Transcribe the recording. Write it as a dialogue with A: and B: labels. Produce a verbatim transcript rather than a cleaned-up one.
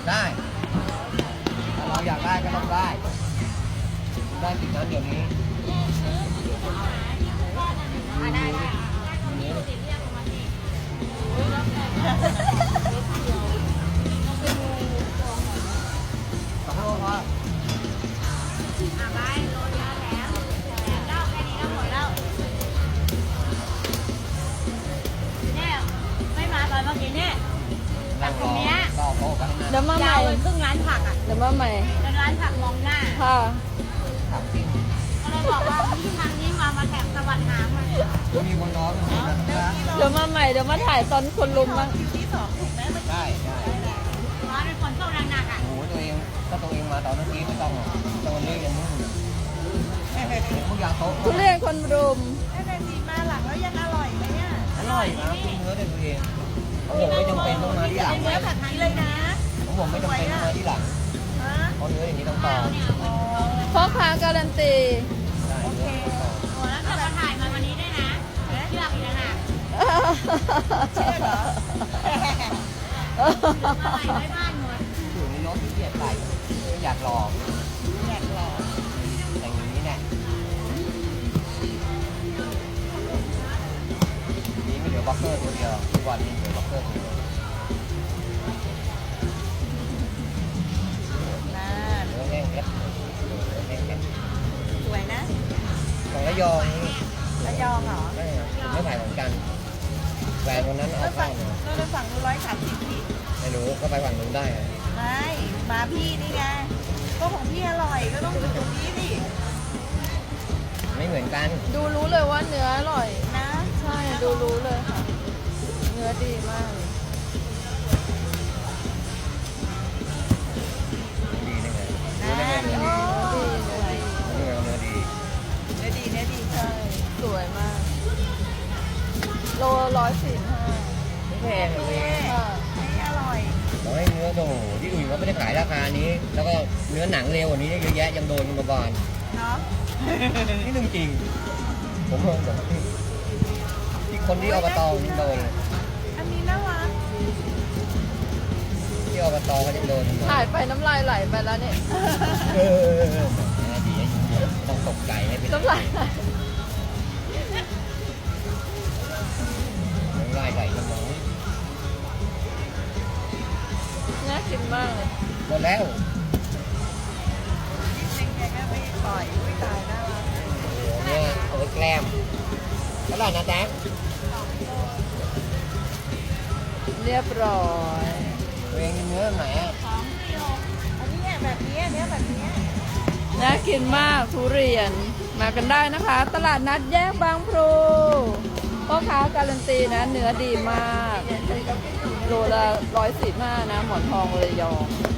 A: ได้ถ้าเราอยากได้ก็ต้องได้ได้สิ่งนั้นเดี๋ยวนี้
B: ได้ได้
A: ขอโทษครับ
B: อ่ะไปโลเยอะแล้วแล้แค่นี้ก็หมดแล้วเนี่ยไม่มาตอนเมื่อกี้เนี่ยแต่ตรงเนี้ย
A: รอโต๊ะกันนะ
C: เดี๋ยวมาให
B: ยา
C: ม่
B: วเหมือนครึ่งร้านผักอ่ะ
C: เดี๋ยวมาใหม่
B: เป็นร้านผักมองหน้า
C: ค่ะ
A: ครับจริง
B: ก็เลยบอกว่าที่ทางนี้มามาแถบสวัสดิ์หางมา
A: มีคนน้องนะ
C: เดี๋ยวมาใหม่เดี๋ยวมาถ่ายตอนคนลุมบ้าง
A: ได้ได้
B: ร้านเป็นฝนตกหนักๆอ่ะ
A: โอ้โหตัวเองถ้าตัวเองมาตอนเมื่อกี้ไม่ต้องหรอกตอนนี้ยังมุ่งทุกอย่างโต๊ะ
C: ทุเรียนคนรุม
D: ถ้าแดนซีมาหลังแล้วยังอร่อยไหมอ่ะ
A: อร่อยนะกินเนื้อได้ตัวเองของผมไม่จำเป็นต้องมาที่หลัง
D: เนื้อผัดนี้เลยนะ
A: ของผมไม่จำเป็นต้องมาที่หลัง
D: ฮะ
A: เพราะเนื้ออย่างนี้ต้องต่อ
D: อ๋อ
C: พ่อค้าการันตี
A: ได้
D: โอเค
A: เนื้อต้องต่อ
B: โอ้แล้วจะมาถ่ายมาวันนี้ด้วยนะเชือกอีกแล้วนะ
D: เชื่อเหรอ
B: มาใส่ไว้บ้านหมด
A: อยู่ในรถที่เกียดใส่ไม่อยากหลอก
D: อยากลอง
A: แต่อย่างนี้แน่นี่ไม่เหลือบล็อกเกอร์ตัวเดียวทุกวันนี้เหลือบล็อกเกอร์ตัวเดียว
D: น่า
A: เนื้อแห้งเล็บเนื้อแห้งเล็บ
D: สวยนะ
A: ของระยองนี่
D: ระยองเหรอ
A: ไม่อะผมไม่ถ่ายเหมือนกันแหวนวันนั้นเอา
D: แล้ว
A: เข้า
D: ฝั่ง
A: มา
D: ก็เลยฝั่งนู้นร้อยสามสิบพี่
A: ไม่รู้ก็ไปฝั่งนู้นได้อะ
D: ไม่มาพี่นี่ไงก็ของพี่อร่อยก็ต้องอยู่ตรงนี้ดิ
A: ไม่เหมือนกัน
C: ดูรู้เลยว่าเนื้ออร่อย
D: นะ
C: ใช่ดูรู้เลยค่ะ เนื้อดีมากเลย
A: ดีได้ไงรู้ได้ไงเนื้อดี
C: ดีเนื้อดี
A: รู้ได้ไงว่าเนื้อดี
D: เนื้อดีเนื้อดี
C: ใช่สวยมาก โลร้อยสี่ห้า
A: ไม่แพงเลย
C: ค่ะ
D: นี่อร่อย
A: ขอให้เนื้อโตที่อื่นเขาไม่ได้ขายราคานี้ แล้วก็เนื้อหนังเร็วกว่านี้เยอะแยะยังโดนกันมาก่อน
D: เนาะ
A: นี่เรื่องจริง ผมงงแบบที่คนที่อบตยังโดนเลย
D: อันนี้น่ารัก
A: ที่อบตเขายังโดนมา
C: ถ่ายไปน้ำลายไหลไปแล้วเนี่ย
A: เออแหมดีต้องตกใจให้เป็น
C: น้ำลายไหล
A: น้ำลายไหลกันน้อง
C: น่ากินมากเลย
A: หมดแล้ว
D: จริงๆแกก็ไม่ปล่อยอุ้ยตายน่ารัก
A: เนี่ยเอาไว้แกล้มเท่าไหร่นะแจ๊ค
C: เรียบร้อย
A: ตัวเองเนื้อไหนอ่ะ
B: สองกิโล
D: อันนี้เนี่ยแบบนี้เนื้อแบบนี้
C: น่ากินมากทุเรียน มากันได้นะคะ ตลาดนัดแยกบางพลูพ่อค้าการันตีนะเนื้อดีมาก โลละร้อยสิบห้านะหมอนทองระยอง